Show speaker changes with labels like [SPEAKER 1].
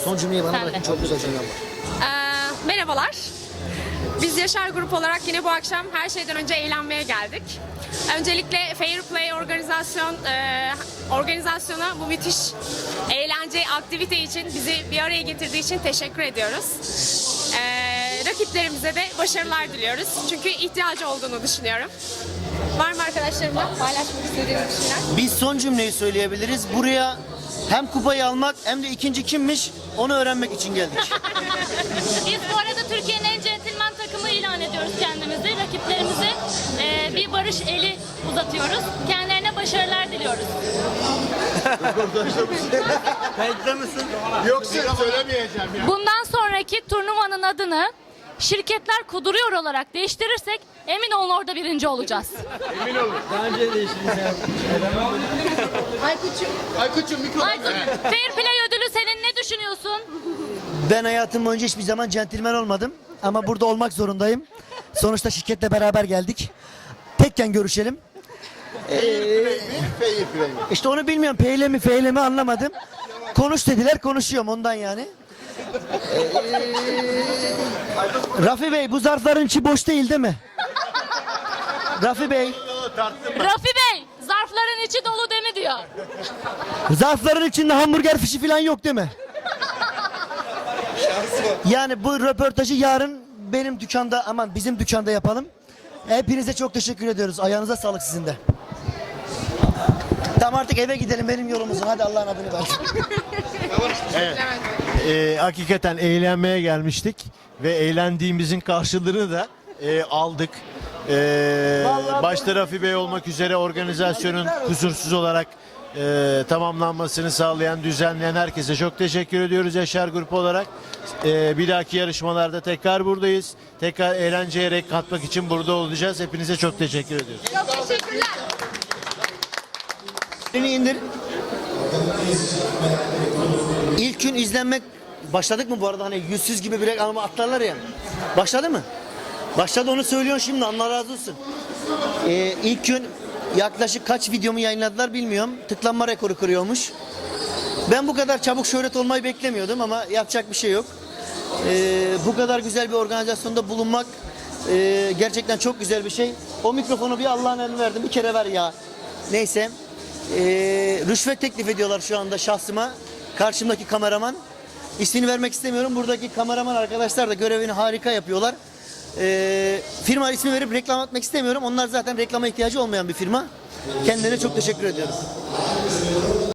[SPEAKER 1] Son cümleyi bana
[SPEAKER 2] Sen de.
[SPEAKER 1] bırakın, çok güzel cümlem var.
[SPEAKER 3] Merhabalar. Biz Yaşar Grup olarak yine bu akşam her şeyden önce eğlenmeye geldik. Öncelikle Fair Play organizasyona bu müthiş eğlence, aktivite için bizi bir araya getirdiği için teşekkür ediyoruz. Rakiplerimize de başarılar diliyoruz. Çünkü ihtiyacı olduğunu düşünüyorum. Var mı arkadaşlarımla paylaşmak istediğiniz bir şeyler?
[SPEAKER 1] Biz son cümleyi söyleyebiliriz. Buraya hem kupayı almak hem de ikinci kimmiş onu öğrenmek için geldik.
[SPEAKER 2] Biz bu arada Türkiye'nin en centilmen takımı ilan ediyoruz kendimizi. Rakiplerimize bir barış eli uzatıyoruz. Kendilerine başarılar diliyoruz.
[SPEAKER 1] Kayıtta mısın?
[SPEAKER 4] Yoksa söylemeyeceğim ya.
[SPEAKER 2] Bundan sonraki turnuvanın adını şirketler kuduruyor olarak değiştirirsek emin olun orada birinci olacağız.
[SPEAKER 4] Emin olun. Aykut'cum mikrofon.
[SPEAKER 2] Aykut, Fair Play ödülü senin, ne düşünüyorsun?
[SPEAKER 1] Ben hayatım boyunca hiçbir zaman centilmen olmadım. Ama burada olmak zorundayım. Sonuçta şirketle beraber geldik. Tekken görüşelim.
[SPEAKER 4] Fair play mi?
[SPEAKER 1] İşte onu bilmiyorum. Peyle mi feyle mi anlamadım. Konuş dediler, konuşuyorum ondan yani. Rafi Bey, bu zarfların içi boş değil mi? Rafi Bey,
[SPEAKER 2] Rafi Bey, zarfların içi dolu değil mi diyor.
[SPEAKER 1] zarfların içinde hamburger fişi falan yok değil mi? Yani bu röportajı yarın benim dükkanda, aman bizim dükkanda yapalım. Hepinize çok teşekkür ediyoruz. Ayağınıza sağlık sizin de. Tamam, artık eve gidelim, benim yolumuzun. Hadi Allah'ın adını versin.
[SPEAKER 5] Hakikaten eğlenmeye gelmiştik ve eğlendiğimizin karşılığını da aldık. Başta Rafi Bey olmak üzere organizasyonun kusursuz olarak tamamlanmasını sağlayan, düzenleyen herkese çok teşekkür ediyoruz Yaşar Grup olarak. Bir dahaki yarışmalarda tekrar buradayız. Tekrar eğlenceye renk katmak için burada olacağız. Hepinize çok teşekkür ediyoruz.
[SPEAKER 3] Çok teşekkürler.
[SPEAKER 1] Elini indir. İlk gün izlenmek başladık mı bu arada, hani yüzsüz gibi bir ama atlarlar ya. Başladı mı? Başladı, onu söylüyorsun şimdi, Allah razı olsun. İlk gün yaklaşık kaç videomu yayınladılar bilmiyorum. Tıklanma rekoru kırıyormuş. Ben bu kadar çabuk şöhret olmayı beklemiyordum ama yapacak bir şey yok. Bu kadar güzel bir organizasyonda bulunmak gerçekten çok güzel bir şey. O mikrofonu bir Allah'ın eline verdim, bir kere ver ya. Neyse. Rüşvet teklif ediyorlar şu anda şahsıma. Karşımdaki kameraman. İsmini vermek istemiyorum. Buradaki kameraman arkadaşlar da görevini harika yapıyorlar. Firma ismi verip reklam atmak istemiyorum. Onlar zaten reklama ihtiyacı olmayan bir firma. Kendilerine çok teşekkür ediyorum.